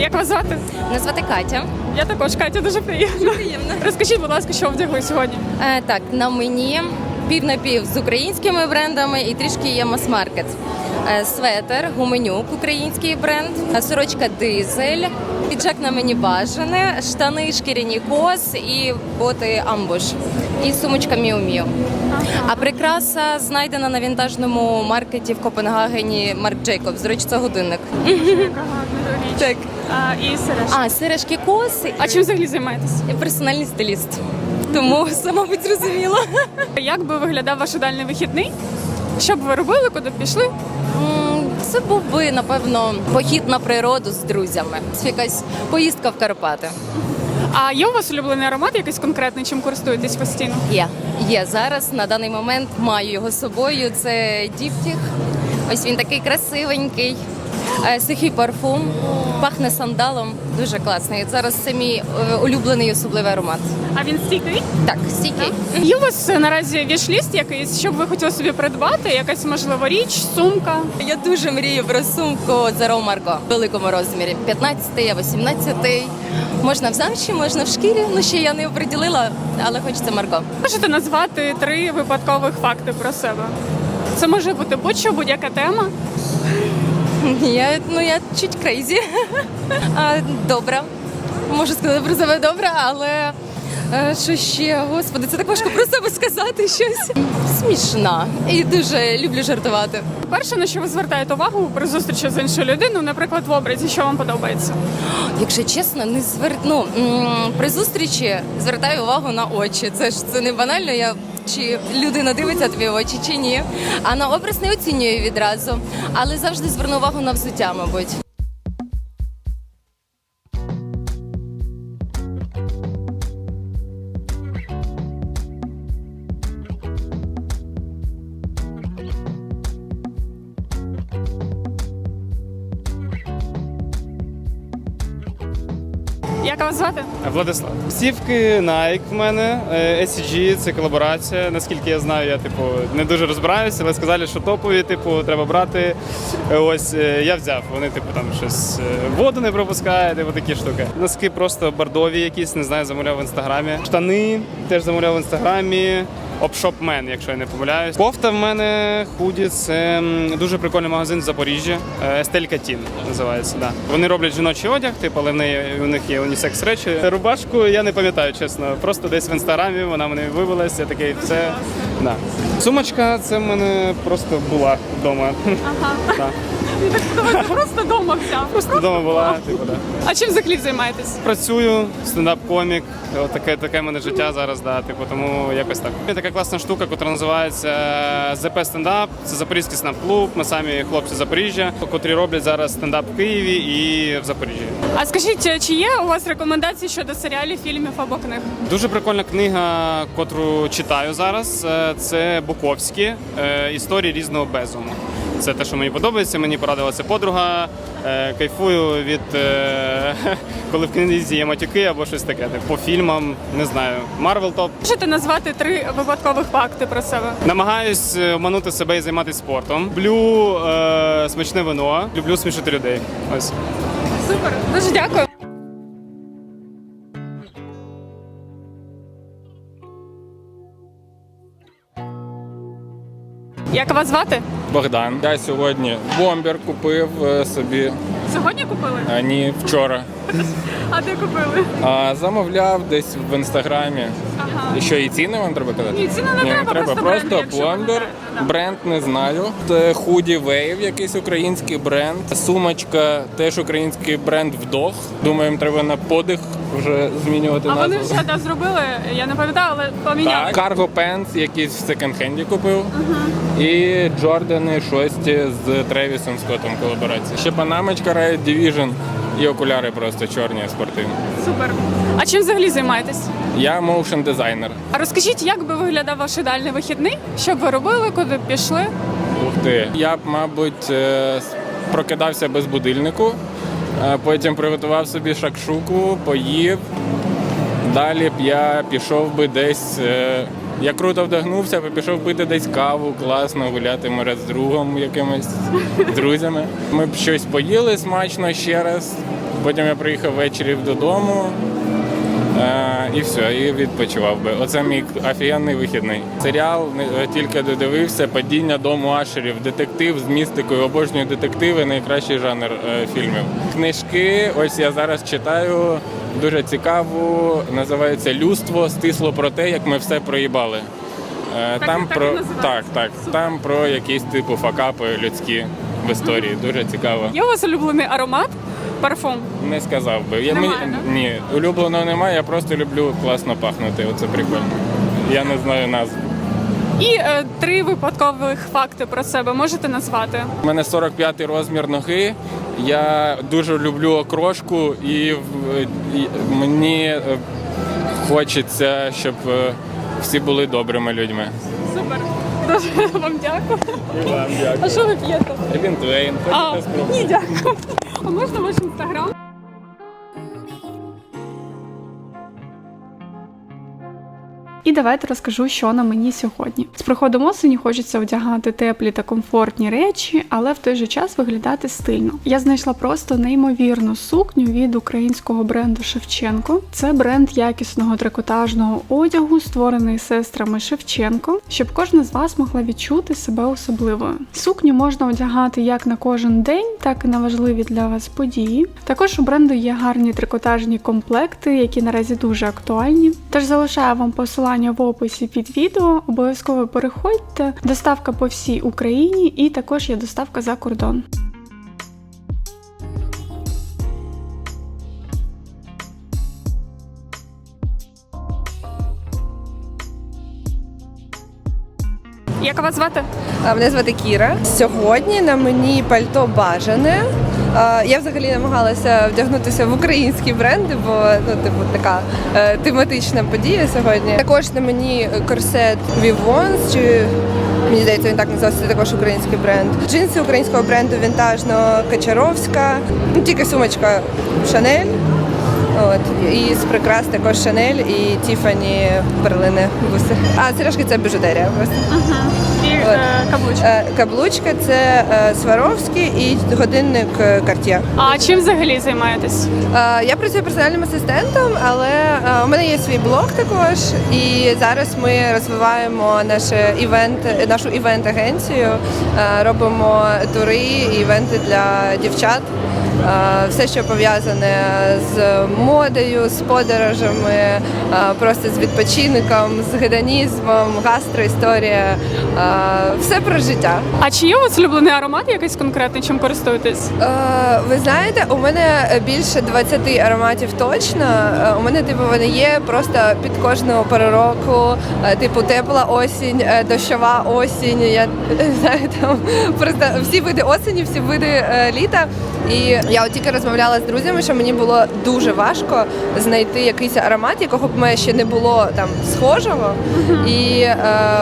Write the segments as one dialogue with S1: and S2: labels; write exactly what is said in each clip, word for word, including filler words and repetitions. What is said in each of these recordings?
S1: Як вас звати?
S2: Мене звати Катя.
S1: Я також, Катя, дуже приємно.
S2: Приємно.
S1: Розкажіть, будь ласка, що вдягли сьогодні?
S2: Е, так, на мені пів на пів з українськими брендами і трішки є мас-маркет. Е, светер, гуменюк, український бренд, е, сорочка дизель, піджак на мені бажане, штани шкіряні кос і боти амбуш. І сумочка Міу-Міу. А прикраса знайдена на вінтажному маркеті в Копенгагені Марк Джейкобс. До речі, це годинник. Так.
S1: А, і сережки.
S2: А, сережки коси.
S1: А чим взагалі займаєтесь?
S2: Я персональний стиліст. Тому все, мабуть, зрозуміло.
S1: Як би виглядав ваш ідеальний вихідний? Що б ви робили, куди б пішли?
S2: М, Це був би, напевно, похід на природу з друзями. Це якась поїздка в Карпати.
S1: А є у вас улюблений аромат, якийсь конкретний, чим користуєтесь постійно?
S2: Є. Є. Зараз, на даний момент, маю його з собою. Це діптіх. Ось він такий красивенький. Е, Сухий парфум. Пахне сандалом. Дуже класний. Зараз це мій е, улюблений особливий аромат.
S1: А він стійкий?
S2: Так, стійкий.
S1: Є у вас е, наразі віш-ліст якийсь, що б ви хотіли собі придбати? Якась, можливо, річ, сумка?
S2: Я дуже мрію про сумку Zero Marco в великому розмірі. п'ятнадцятий або сімнадцятий. Можна в замші, можна в шкірі. Ну, ще я не оприділила, але хочеться Марко.
S1: Можете назвати три випадкових факти про себе? Це може бути будь-що, будь-яка тема.
S2: Я, ну, я чуть крейзі. А, добра. Можу сказати про себе добре, але е, що ще? Господи, це так важко про себе сказати щось. Смішна. І дуже люблю жартувати.
S1: Перше, на що ви звертаєте увагу при зустрічі з іншою людиною, наприклад, в образі, що вам подобається?
S2: Якщо чесно, не звер... ну, м, при зустрічі звертаю увагу на очі. Це ж це не банально, я чи людина дивиться тобі в очі, чи ні. А на образ не оцінюю відразу. Але завжди зверну увагу на взуття, мабуть.
S1: Як вас звати?
S3: Владислав. Сівки Nike в мене, е, ес сі джі, це колаборація. Наскільки я знаю, я типу не дуже розбираюся, але сказали, що топові, типу, треба брати. Е, Ось е, я взяв. Вони типу там щось е, воду не пропускають, типу такі штуки. Носки просто бордові якісь, не знаю, замовляв в інстаграмі. Штани теж замовляв в інстаграмі. Опшопмен, якщо я не помиляюсь. Кофта в мене худі, це м, дуже прикольний магазин в Запоріжжі. Естелька Тін називається. Да. Вони роблять жіночий одяг, типу, але в неї у них є унісекс речі. Рубашку я не пам'ятаю, чесно. Просто десь в інстаграмі вона мене вивелася, такий все. Да. Сумочка, це в мене просто була вдома.
S1: Ага.
S3: Да.
S1: Так подобається, просто вдома взяв.
S3: Просто вдома була, типу, да.
S1: А чим взагалі займаєтесь?
S3: Працюю, стендап-комік, от таке, таке в мене життя зараз, да, типу, тому якось так. Є така класна штука, яка називається зе пе Стендап, це Запорізький стендап-клуб, ми самі хлопці з Запоріжжя, котрі роблять зараз стендап в Києві і в Запоріжжі.
S1: А скажіть, чи є у вас рекомендації щодо серіалів, фільмів або книг?
S3: Дуже прикольна книга, котру читаю зараз, е, це Буковські е, «Історії різного безуму». Це те, що мені подобається, мені порадила це подруга. Е, кайфую від, е, коли в книзі є матюки або щось таке. По фільмам, не знаю, Марвел топ.
S1: Можете назвати три випадкових факти про себе?
S3: Намагаюсь оманути себе і займатися спортом. Люблю е, смачне вино, люблю смішити людей. Ось.
S1: Супер, дуже дякую. Як вас звати?
S4: Богдан. Я сьогодні бомбер купив е, собі,
S1: Сьогодні купили?
S4: а ні вчора.
S1: А де купили?
S4: А замовляв десь в інстаграмі.
S1: Ага.
S4: І що, і ціни вам треба казати?
S1: Ні, ціни не треба, просто бренд,
S4: Просто
S1: якщо ви не
S4: бомбер.
S1: знаєте, да.
S4: Бренд не знаю. Це худі Wave, якийсь український бренд. Сумочка, теж український бренд Вдох. Думаю, їм треба на подих вже змінювати
S1: А вони
S4: назву.
S1: вже да, зробили, я не пам'ятаю, але поміняли.
S4: Так, Cargo Pants якийсь в секонд-хенді купив. І Джордани шості з Тревісом Скоттом колаборація. Ще панамочка Riot Division і окуляри просто чорні спортивні.
S1: Супер. А чим взагалі займаєтесь?
S4: Я моушн дизайнер.
S1: А розкажіть, як би виглядав ваш ідеальний вихідний? Що б ви робили, куди б пішли?
S4: Ух ти. Я б, мабуть, е, прокидався без будильнику, е, потім приготував собі шакшуку, поїв. Далі б я пішов би десь е, Я круто вдягнувся, пішов пити десь каву, класно, гуляти, може, з другом якимось, з друзями. Ми б щось поїли смачно ще раз, потім я приїхав ввечері додому. Е, і все, і відпочивав би. Оце мій офігенний вихідний. Серіал е, тільки додивився, «Падіння дому Ашерів», детектив з містикою, обожнюю детективи, найкращий жанр е, фільмів. Книжки, ось я зараз читаю, дуже цікаву, називається «Людство. Стисло про те, як ми все проїбали». Е,
S1: Так,
S4: там
S1: так
S4: про
S1: і називається.
S4: так, так, там про якісь типу факапи людські в історії. Дуже цікаво.
S1: Є у вас улюблений аромат? Парфум?
S4: Не сказав би. Я,
S1: Немає,
S4: мені-
S1: да?
S4: Ні, улюбленого немає, я просто люблю класно пахнути. Оце прикольно. Я не знаю назв.
S1: І е, три випадкових факти про себе можете назвати?
S4: У мене сорок п'ятий розмір ноги. Я дуже люблю окрошку і, в- і мені е, хочеться, щоб е, всі були добрими людьми.
S1: Супер. Дуже вам дякую.
S4: І вам дякую.
S1: А що ви п'єте?
S4: Вінтвейн,
S1: А,
S4: хочете спробувати?
S1: ні, дякую. А можна ваш інстаграм? І давайте розкажу, що на мені сьогодні. З приходом осені хочеться одягати теплі та комфортні речі, але в той же час виглядати стильно. Я знайшла просто неймовірну сукню від українського бренду Шевченко. Це бренд якісного трикотажного одягу, створений сестрами Шевченко, щоб кожна з вас могла відчути себе особливою. Сукню можна одягати як на кожен день, так і на важливі для вас події. Також у бренду є гарні трикотажні комплекти, які наразі дуже актуальні. Тож залишаю вам посилання в описі під відео. Обов'язково переходьте. Доставка по всій Україні і також є доставка за кордон. Як вас звати?
S5: А, Мене звати Кіра. Сьогодні на мені пальто бажане. А, Я взагалі намагалася вдягнутися в українські бренди, бо ну, типу, така е, тематична подія сьогодні. Також на мені корсет Vivons, чи мені здається, він так називається, це також український бренд. Джинси українського бренду вінтажного Качаровська, ну, тільки сумочка Шанель. От, і з прикрас також Шанель і Тіфані перлини буси. А сережки це біжутерія просто.
S1: І е, каблучка.
S5: Е, Каблучка це е, Сваровський і годинник е, Cartier.
S1: А чим взагалі займаєтесь?
S5: Е, Я працюю персональним асистентом, але е, у мене є свій блог також. І зараз ми розвиваємо наше івент, нашу івент-агенцію, е, робимо тури і івенти для дівчат. Е, Все, що пов'язане з модою, з подорожами, е, просто з відпочинком, з гедонізмом, гастроісторія. Е, Все про життя.
S1: А чи є у вас улюблений аромат якийсь конкретний, чим користуєтесь?
S5: Е, Ви знаєте, у мене більше двадцяти ароматів точно. Е, У мене типу вони є просто під кожну пору року, е, типу тепла осінь, е, дощова осінь. Я не знаю, там просто всі види осені, всі види е, літа. І я от тільки розмовляла з друзями, що мені було дуже важко знайти якийсь аромат, якого б мене ще не було там схожого. І е,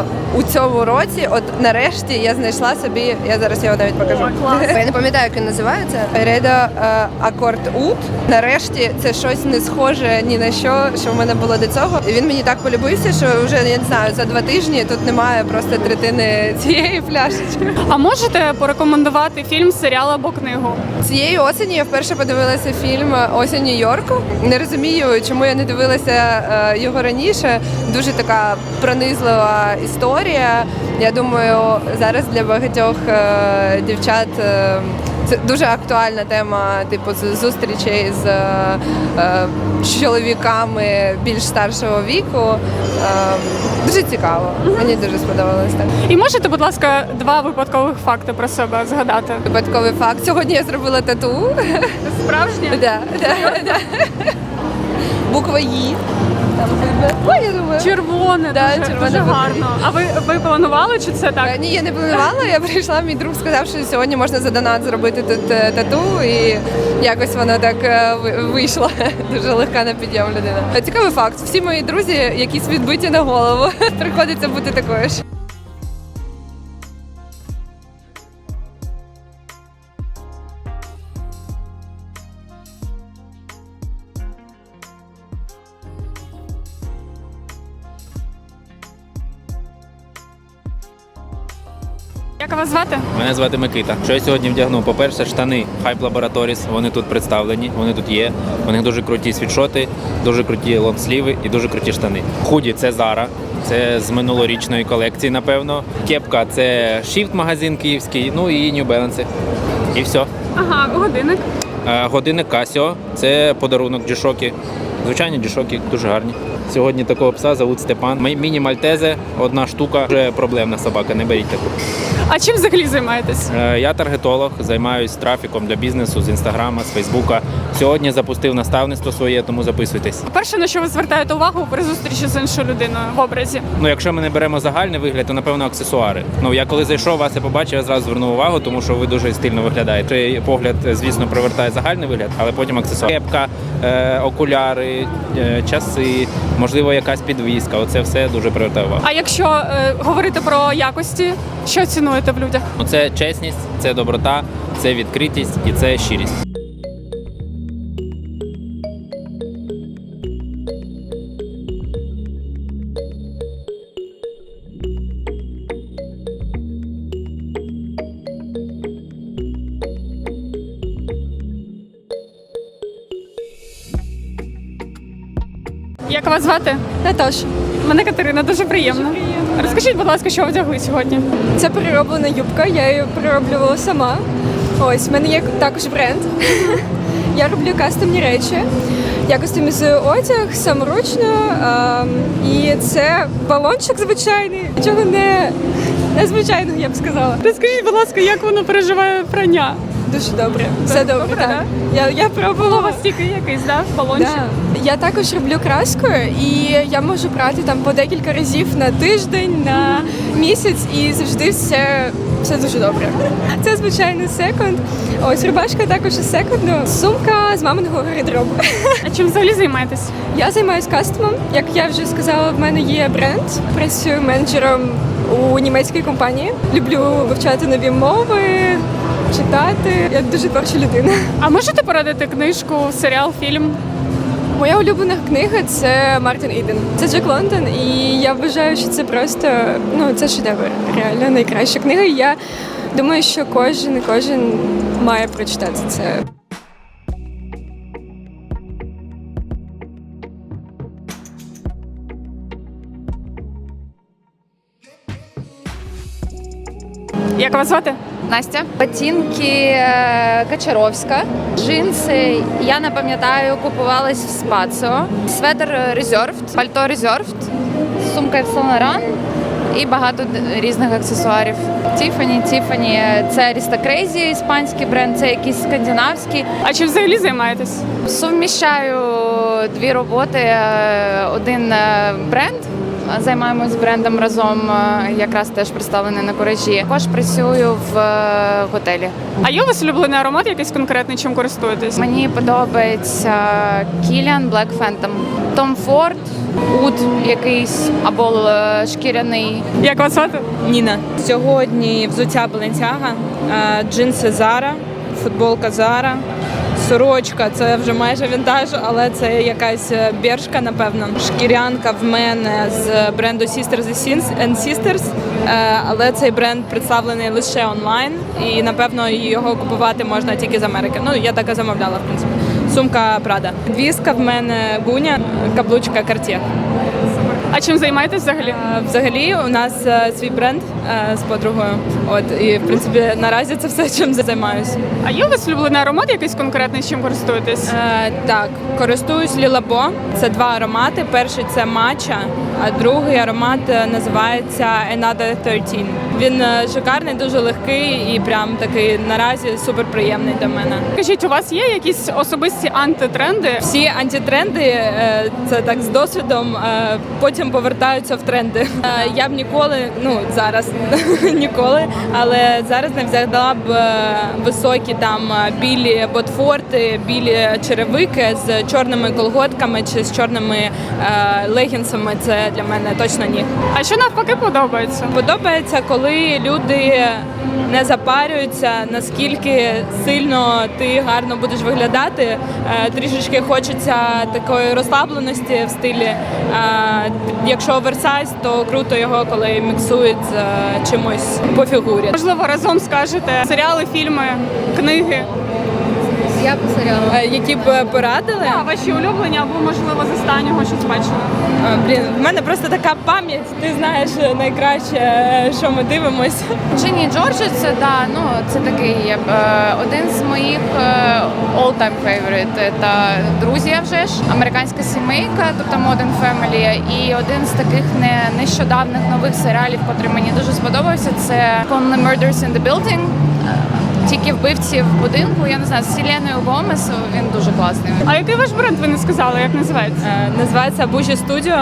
S5: у цьому році, от нарешті, я знайшла собі, я зараз його навіть покажу.
S1: О, клас.
S5: Я не пам'ятаю, як він називається. Редо Акорд Ут. Нарешті це щось не схоже ні на що, що в мене було до цього. І він мені так полюбився, що вже я не знаю, за два тижні тут немає просто третини цієї пляшечки.
S1: А можете порекомендувати фільм, серіал або книгу?
S5: Цієї осені я вперше подивилася фільм «Осінь Нью-Йорку». Не розумію, чому я не дивилася е, його раніше. Дуже така пронизлива історія. Я думаю, зараз для багатьох е, дівчат е, це дуже актуальна тема, типу з- зустрічей з е, чоловіками більш старшого віку. Е, Дуже цікаво. Мені дуже сподобалось так.
S1: І можете, будь ласка, два випадкових факти про себе згадати?
S5: Випадковий факт. Сьогодні я зробила тату.
S1: Справжнє?
S5: Да, да, да. Буква «І». Там видно. Ой, я думаю.
S1: Червоне,
S5: Да,
S1: дуже,
S5: червоне
S1: дуже
S5: букви.
S1: гарно. А ви, ви планували, чи це так?
S5: Е, Ні, я не планувала, я прийшла, мій друг сказав, що сьогодні можна за донат зробити тут е, тату, і якось воно так е, ви- вийшло. Дуже легка на підйом людина. Е, Цікавий факт. Всі мої друзі якісь відбиті на голову. Приходиться бути такою ж.
S1: Як вас звати?
S6: Мене звати Микита. Що я сьогодні вдягну? По-перше, штани Hype Laboratories, вони тут представлені, вони тут є. У них дуже круті світшоти, дуже круті лонгсліви і дуже круті штани. Худі це Zara, це з минулорічної колекції, напевно. Кепка це Shift магазин київський, ну і New Balance. І все.
S1: Ага, годинник.
S6: Е, Годинник Casio, це подарунок G-Shock. Звичайні G-Shock, дуже гарні. Сьогодні такого пса зовут Степан. Мій- Міні-мальтезе, одна штука, вже проблемна собака, не беріть таку.
S1: А чим взагалі займаєтесь?
S6: Е, Я таргетолог, займаюся трафіком для бізнесу з інстаграма, з фейсбука. Сьогодні запустив наставництво своє, тому записуйтесь.
S1: Перше, на що ви звертаєте увагу при зустрічі з іншою людиною в образі?
S6: Ну, якщо ми не беремо загальний вигляд, то напевно аксесуари. Ну я коли зайшов, вас і побачив, я зразу звернув увагу, тому що ви дуже стильно виглядаєте. Цей погляд, звісно, привертає загальний вигляд, але потім аксесуари. Кепка, е, окуляри, е, часи, можливо, якась підвіска. Оце все дуже привертає увагу.
S1: А якщо е, говорити про якості, що цінуєте в людях?
S6: Ну, це чесність, це доброта, це відкритість і це щирість.
S1: Як вас звати?
S7: Наташа,
S1: Мене Катерина, дуже приємно. Розкажіть, будь ласка, що вдягли сьогодні?
S7: це перероблена юбка, я її перероблювала сама. Ось, в мене є також бренд. Я роблю кастомні речі. Я кастомізую одяг саморучно. ем, І це балончик звичайний, нічого не незвичайного, я б сказала.
S1: Розкажіть, будь ласка, як воно переживає прання?
S7: Дуже добре. Все добре,
S1: добре,
S7: так. Я, я
S1: Було у
S7: пробувала.
S1: вас тільки якийсь, да? Балончик?
S7: Да. Я також роблю краскою, і я можу брати там по декілька разів на тиждень, на місяць, і завжди все, все дуже добре. Це звичайно секонд. Ось рубашка також із секонду. Сумка з маминого гардеробу.
S1: А чим взагалі займаєтесь?
S7: Я займаюся кастомом. Як я вже сказала, в мене є бренд. Працюю менеджером у німецькій компанії. Люблю вивчати нові мови, читати. Я дуже творча людина.
S1: А можете порадити книжку, серіал, фільм?
S7: Моя улюблена книга це Мартін Іден. Це Джек Лондон, і я вважаю, що це просто ну це шедевр. Реально найкраща книга. І я думаю, що кожен і кожен має прочитати це.
S1: Як вас звати?
S8: Настя. Ботинки е, Качаровська, джинси, я не пам'ятаю, купувались в Спаціо, светр Reserved, пальто Reserved, сумка Yves Saint Laurent і багато д- різних аксесуарів. Тіфані, Тіфані, це Arista Crazy, іспанський бренд, це якийсь скандинавський.
S1: А чим взагалі займаєтесь?
S8: Суміщаю дві роботи, е, один е, бренд. Займаємось брендом разом, е, якраз теж представлений на Куражі. Також працюю в е, готелі.
S1: А є у вас улюблений аромат якийсь конкретний, чим користуєтесь?
S8: Мені подобається Kilian Black Phantom, Tom Ford, Уд якийсь або е, шкіряний.
S1: Як вас звати?
S9: Ніна. Сьогодні взуття Balenciaga, е, джинси Zara, футболка Zara, сорочка, це вже майже вінтаж, але це якась бершка, напевно. Шкірянка в мене з бренду Sisters and Sisters, е, але цей бренд представлений лише онлайн і, напевно, його купувати можна тільки з Америки. Ну, я так і замовляла, в принципі. Сумка Prada. Двіска в мене Гуня, каблучка Cartier.
S1: А чим займаєтесь взагалі?
S9: Е, Взагалі у нас е, свій бренд е, з подругою. От і в принципі наразі це все, чим займаюся.
S1: А є у вас улюблений аромат якийсь конкретний, чим користуєтесь?
S9: Е, так, користуюсь Лілабо. Це два аромати. Перший це матча, а другий аромат е, називається Another тринадцять. Він е, шикарний, дуже легкий і прям такий наразі суперприємний для мене.
S1: Скажіть, у вас є якісь особисті антитренди?
S9: Всі антитренди, е, це так з досвідом, е, потім повертаються в тренди. Е, Я б ніколи, ну зараз ніколи, але зараз не взяла б е, високі там е, білі ботфорти, білі черевики з чорними колготками чи з чорними е, легінсами. Це для мене точно ні.
S1: А що навпаки подобається?
S9: Подобається, коли люди не запарюються, наскільки сильно ти гарно будеш виглядати. Е, Трішечки хочеться такої розслабленості в стилі. Е, Якщо оверсайз, то круто його, коли міксують з е, чимось по фігурі. шкурі.
S1: Можливо, разом скажете серіали, фільми, книги.
S2: Я по серіалу.
S9: Е, Які б порадили?
S1: А ваші улюблені або, можливо, з останнього щось бачили.
S9: А, блін, в мене просто така пам'ять. Ти знаєш найкраще, е, що ми дивимося.
S8: Джині Джорджі це да, ну це такий е, один з моїх е, all-time favorite. Та друзі, а вже ж американська сімейка, тобто Modern Family. І один з таких не нещодавних нових серіалів, котрий мені дуже сподобався, це Only Murders in the Building. Е, Тільки вбивці в будинку. Я не знаю, з Селеною Гомес. Він дуже класний.
S1: А який ваш бренд ви не сказали, як називається?
S9: Е, Називається Бужі Студіо.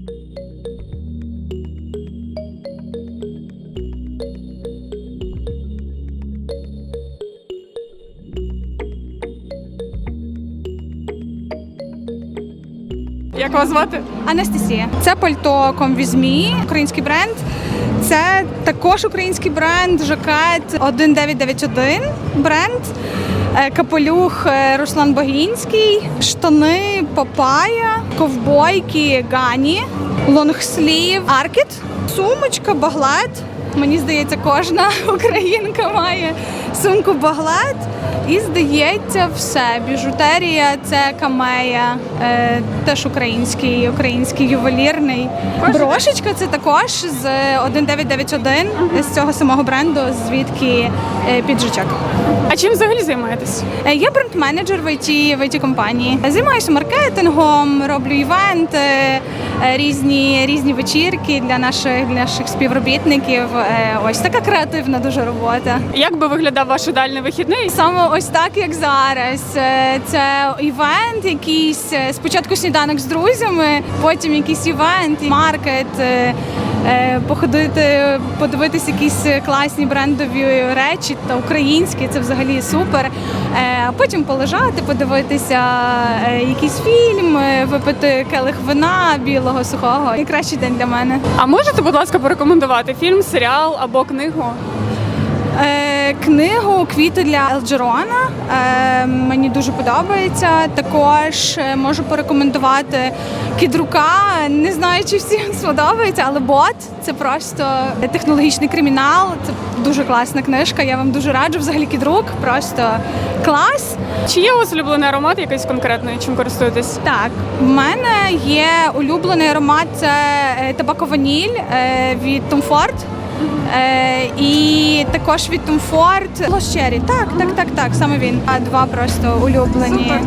S1: Як вас звати?
S10: Анастасія. Це пальто Комвізмі, український бренд. Це також український бренд, жакет один дев'ять дев'ять один бренд, е, капелюх е, Руслан Богінський, штани Папая, ковбойки Гані, лонгслів Аркет, сумочка Баглет. Мені здається, кожна українка має сумку Баглет. І, здається, все. Біжутерія – це камея, е, теж український, український ювелірний. Брошечка – це також з один дев'ять дев'ять один, з цього самого бренду, звідки е, піджачок.
S1: А чим взагалі займаєтесь?
S10: Е, Я бренд-менеджер в ай ті, в ай ті-компанії. Займаюся маркетингом, роблю івенти, е, різні, різні вечірки для наших, для наших співробітників. Е, Ось така креативна дуже робота.
S1: Як би виглядав ваш ідеальний вихідний?
S10: Саме ось так, як зараз. Е, Це івент, якийсь е, спочатку сніданок з друзями, потім якийсь івент, маркет, е, е, походити, подивитися якісь класні брендові речі та українські. Це взагалі супер. Е, А потім полежати, подивитися е, якийсь фільм, е, випити келих вина білого, сухого. Найкращий день для мене.
S1: А можете, будь ласка, порекомендувати фільм, серіал або книгу?
S10: Е, Книгу Квіти для Елджерона е, мені дуже подобається. Також е, можу порекомендувати Кідрука. Не знаю, чи всім сподобається, але бот це просто технологічний кримінал. Це дуже класна книжка. Я вам дуже раджу. Взагалі Кідрук просто клас.
S1: Чи є у вас улюблений аромат якийсь конкретний, чим користуєтесь?
S10: Так, в мене є улюблений аромат це е, табако-ваніль е, від Tom Ford. Е, і також від Tom Ford Lost Cherry. Так, так, так, так, саме він. А два просто улюблені.
S1: Супер.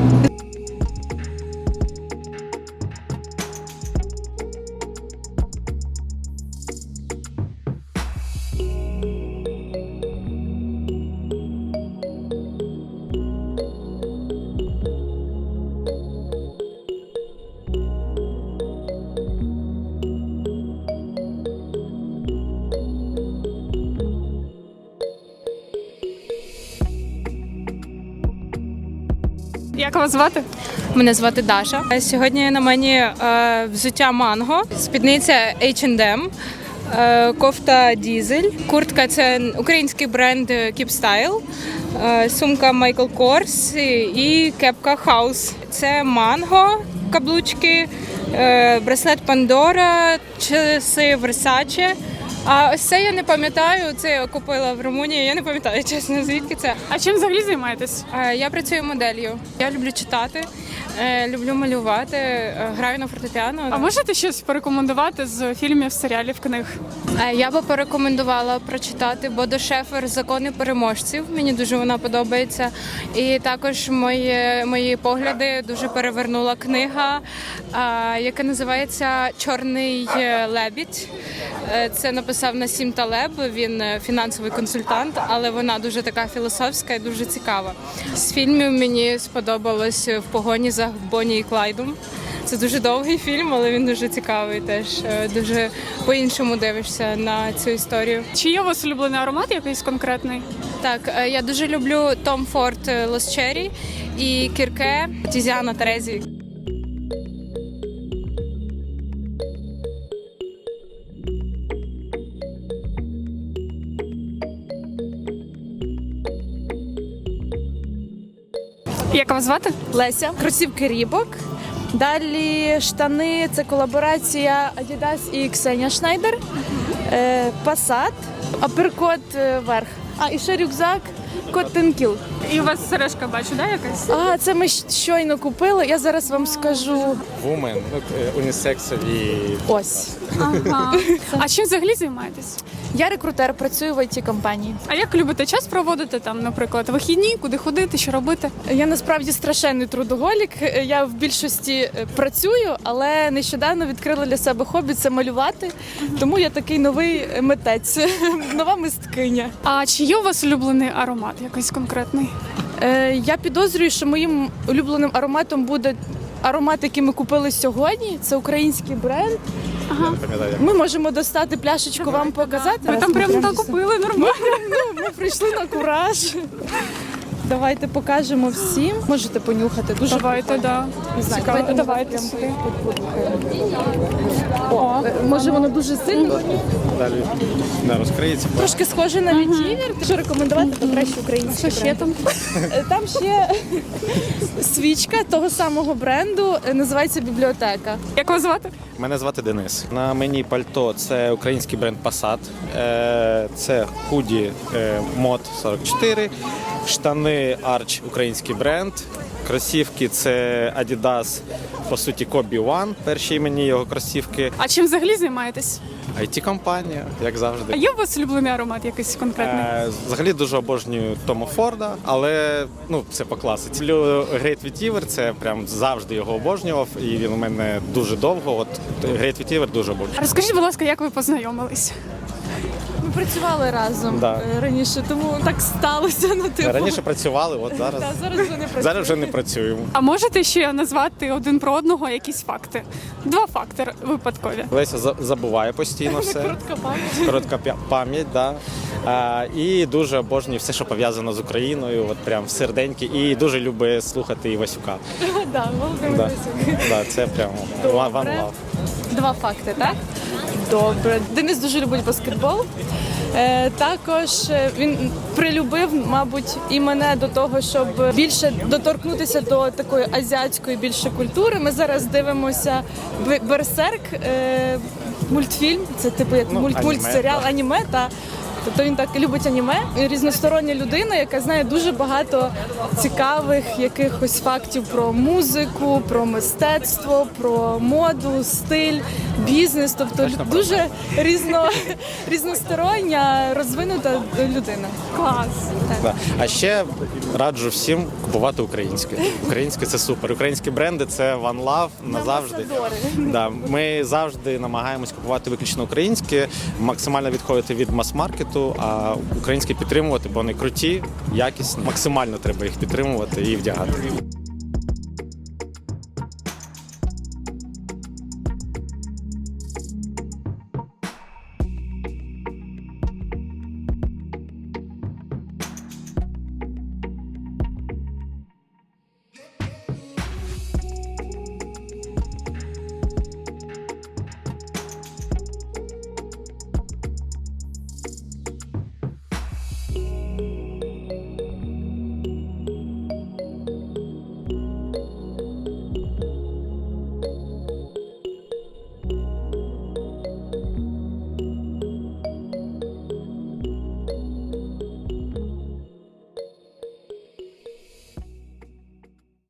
S1: Як вас звати?
S9: Мене звати Даша. Сьогодні на мені е, взуття Манго, спідниця ейч енд ем, е, кофта Дізель, куртка це український бренд Keep Style, е, сумка Michael Kors і кепка House. Це Манго, каблучки, е, браслет Pandora, часи Versace. А ось це я не пам'ятаю, це я купила в Румунії, я не пам'ятаю, чесно, звідки це.
S1: А чим взагалі займаєтесь?
S9: Е, Я працюю моделлю. Я люблю читати, е, люблю малювати, е, граю на фортепіано.
S1: А можете щось порекомендувати з фільмів, серіалів, книг?
S9: Е, Я би порекомендувала прочитати Бодо Шефер «Закони переможців». Мені дуже вона подобається. І також мої, мої погляди дуже перевернула книга, е, яка називається «Чорний лебідь». Е, Це написав Насім Талеб, він е, фінансовий консультант, але вона дуже така філософська і дуже цікава. З фільмів мені сподобалось «В погоні за Бонні і Клайдом». Це дуже довгий фільм, але він дуже цікавий теж. Е, Дуже по-іншому дивишся на цю історію.
S1: Чи є у вас улюблений аромат якийсь конкретний?
S9: Так, е, я дуже люблю Tom Ford Lost Cherry і Кірке Тізіана Терезі.
S1: Як вас звати?
S11: Леся, кросівки Рібок. Далі штани це колаборація Adidas і Ксенія Шнайдер. Е, Passat Аперкот е, верх. А, і ще рюкзак Cotton Kill.
S1: І у вас сережка, бачу, да, якась?
S11: А, це ми щойно купили. Я зараз вам скажу.
S4: Вумен, унісексові.
S11: Ось.
S1: Ага. А чим взагалі займаєтесь?
S11: Я рекрутер, працюю в ай ті-компанії.
S1: А як любите час проводити там, наприклад, вихідні, куди ходити, що робити?
S11: Я насправді страшенний трудоголік. Я в більшості е, працюю, але нещодавно відкрила для себе хобі – це малювати. Тому я такий новий митець, нова мисткиня.
S1: А чи є у вас улюблений аромат якийсь конкретний?
S11: Е, я підозрюю, що моїм улюбленим ароматом буде аромат, який ми купили сьогодні. Це український бренд.
S1: Ага.
S11: Ми можемо достати пляшечку вам показати.
S1: Ви там прямо так купили, нормально.
S11: Ну, ми прийшли на кураж. Давайте покажемо всім. Можете понюхати. Дуже
S1: Давайте, да.
S11: Не знаю,
S1: Цікаво.
S11: давайте,
S1: Давайте
S11: прямо
S1: сюди.
S11: О, може воно дуже сильно.
S3: Далі не розкриється.
S11: Трошки схоже на вітівер. Що рекомендувати, то краще український
S1: Що ще
S11: бренд.
S1: там?
S11: Е, Там ще свічка того самого бренду, е, називається бібліотека.
S1: Як вас звати?
S12: Мене звати Денис. На мені пальто це український бренд Passat, е, це худі е, мод сорок чотири, штани Arch український бренд, кросівки це Adidas, по суті Kobe One, перші імені його кросівки.
S1: А чим взагалі займаєтесь?
S12: ай ті-компанія, як
S1: А
S12: завжди.
S1: є у вас улюблений аромат якийсь конкретний?
S12: Е, Взагалі дуже обожнюю Тома Форда, але ну це по класиці. Люблю Great Vetiver, це прям завжди його обожнював, і він у мене дуже довго. От Great Vetiver дуже обожнюю.
S1: Розкажіть, будь ласка, як ви познайомились?
S11: Ми працювали разом
S12: Да.
S11: е, раніше, тому так сталося. Ну, типу.
S12: Раніше працювали, от зараз,
S11: Та, зараз вже не працюємо.
S12: зараз вже не працюємо.
S1: А можете ще назвати один про одного якісь факти? Два факти випадкові.
S12: Леся за- забуває постійно все.
S11: Коротка пам'ять.
S12: Коротка пя- пам'ять, да. А, і дуже обожнює все, що пов'язано з Україною, от прям в серденьки. І дуже любить слухати Івасюка.
S11: Да, Володимир
S12: Да.
S11: Лисюк.
S12: Да, це прям one one love.
S11: Два факти, так? Добре. Денис дуже любить баскетбол. Е, також е, він прилюбив, мабуть, і мене до того, щоб більше доторкнутися до такої азіатської більше культури. Ми зараз дивимося «Б- Берсерк, е, мультфільм. Це типу як
S12: Ну,
S11: мульт,
S12: аніме,
S11: мультсеріал,
S12: так.
S11: аніме. Та. Тобто він так любить аніме. Різностороння людина, яка знає дуже багато цікавих якихось фактів про музику, про мистецтво, про моду, стиль, бізнес. Тобто
S12: Точно про
S11: дуже різно, різностороння, розвинута людина.
S1: Клас.
S12: Да. А ще раджу всім купувати українське. Українське це супер. Українські бренди це one love назавжди. Да. Ми завжди намагаємось купувати виключно українське, максимально відходити від мас-маркету, а українське підтримувати, бо вони круті, якісні. Максимально треба їх підтримувати і вдягати.